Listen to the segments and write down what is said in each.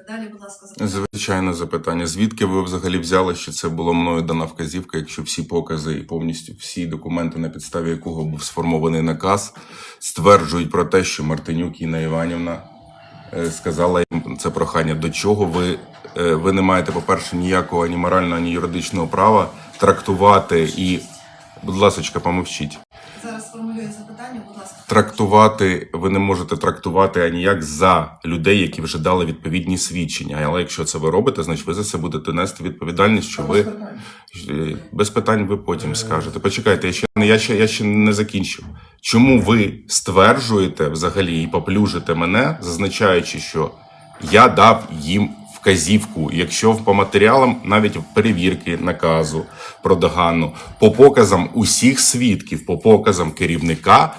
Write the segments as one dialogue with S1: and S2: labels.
S1: Далі, будь ласка, запитання.
S2: Звичайне запитання. Звідки ви взагалі взяли, що це була мною дана вказівка, якщо всі покази і повністю всі документи, на підставі якого був сформований наказ, стверджують про те, що Мартинюк Інна Іванівна сказала їм це прохання. До чого ви не маєте, по-перше, ніякого ані морального, ані юридичного права трактувати і, будь ласочка, помовчіть.
S1: Зараз сформулюю запитання, будь ласка.
S2: Трактувати, ви не можете трактувати аніяк за людей, які вже дали відповідні свідчення. Але якщо це ви робите, значить ви за це будете нести відповідальність, що ви... Без питань ви потім скажете. Почекайте, я ще не закінчив. Чому ви стверджуєте взагалі і поплюжите мене, зазначаючи, що я дав їм вказівку, якщо по матеріалам навіть перевірки наказу про догану, по показам усіх свідків, по показам керівника,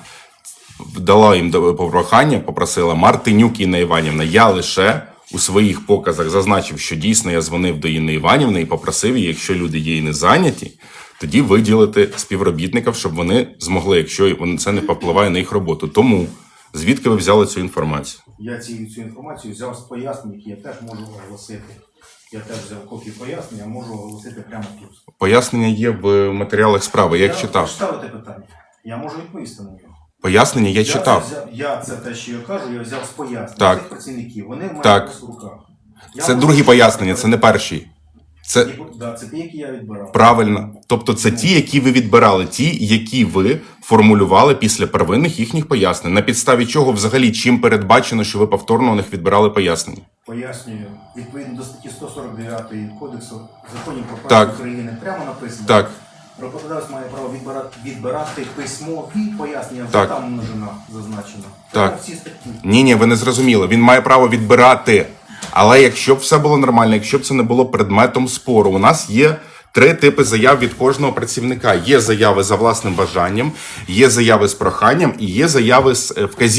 S2: дала їм прохання, попросила Мартинюк Інна Іванівна. Я лише у своїх показах зазначив, що дійсно я дзвонив до Інни Іванівни і попросив її, якщо люди є і не зайняті, тоді виділити співробітників, щоб вони змогли, якщо це не попливає на їх роботу. Тому звідки ви взяли цю інформацію?
S3: Я цю інформацію взяв з пояснень, які я теж можу оголосити. Я теж взяв копію пояснення, можу оголосити прямо тут.
S2: Пояснення є в матеріалах справи, я їх читав.
S3: Ставите питання. Я можу відповісти на нього.
S2: Пояснення я читав.
S3: Це те, що я кажу, я взяв з пояснень цих працівників. Вони в мене в руках.
S2: Це другі пояснення, це не перші.
S3: Це ті, які я відбирав.
S2: Правильно. Тобто це ті, які ви відбирали, ті, які ви формулювали після первинних їхніх пояснень. На підставі чого взагалі чим передбачено, що ви повторно у них відбирали пояснення?
S3: Пояснюю. Відповідно до статті 149 Кодексу законів про право України прямо написано.
S2: Так.
S3: Роботодавець має право відбирати письмові пояснення, вже там множина зазначена.
S2: Так.
S3: Всі статті.
S2: Ні, ви не зрозуміли. Він має право відбирати. Але якщо б все було нормально, якщо б це не було предметом спору, у нас є 3 типи заяв від кожного працівника. Є заяви за власним бажанням, є заяви з проханням і є заяви з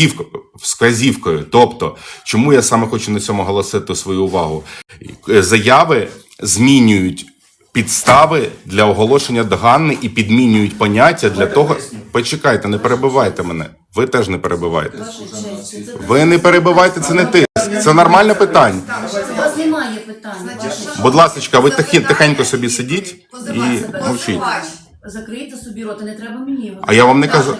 S2: вказівкою. Тобто, чому я саме хочу на цьому оголосити свою увагу? Заяви змінюють підстави для оголошення догани і підмінюють поняття для того... Почекайте, не перебивайте мене. Ви теж не перебивайте. Ви не перебивайте, це не ти. Це нормальне питання.
S4: У вас немає питань.
S2: Будь ласка, ви тихенько собі сидіть і мовчіть.
S4: Закрийте собі рот, не треба мені його.
S2: А я вам не кажу...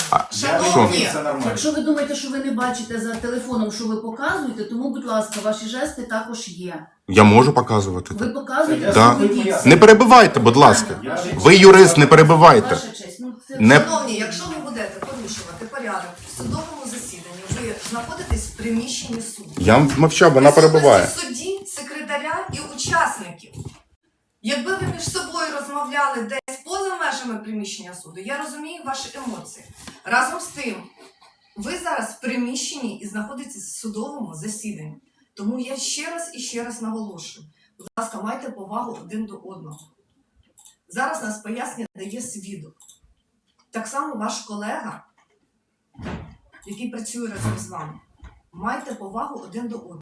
S2: Що?
S4: Якщо ви думаєте, що ви не бачите за телефоном, що ви показуєте, тому, будь ласка, ваші жести також є.
S2: Я можу показувати.
S4: Ви показуєте,
S2: Да.
S4: що ви дійсно.
S2: Не перебивайте, будь ласка. Ви юрист, не перебивайте.
S4: Ваша честь.
S1: Шановні, якщо ви будете порушувати порядок в судовому засіданні, ви знаходитесь в приміщенні суду.
S2: Я мовчав, вона перебиває.
S1: Судді, секретаря і учасників. Якби ви між собою розмовляли десь поза межами приміщення суду, я розумію ваші емоції. Разом з тим, ви зараз в приміщенні і знаходитесь в судовому засіданні. Тому я ще раз наголошую. Будь ласка, майте повагу один до одного. Зараз нас пояснення дає свідок. Так само ваш колега, який працює разом з вами. Майте повагу один до одного.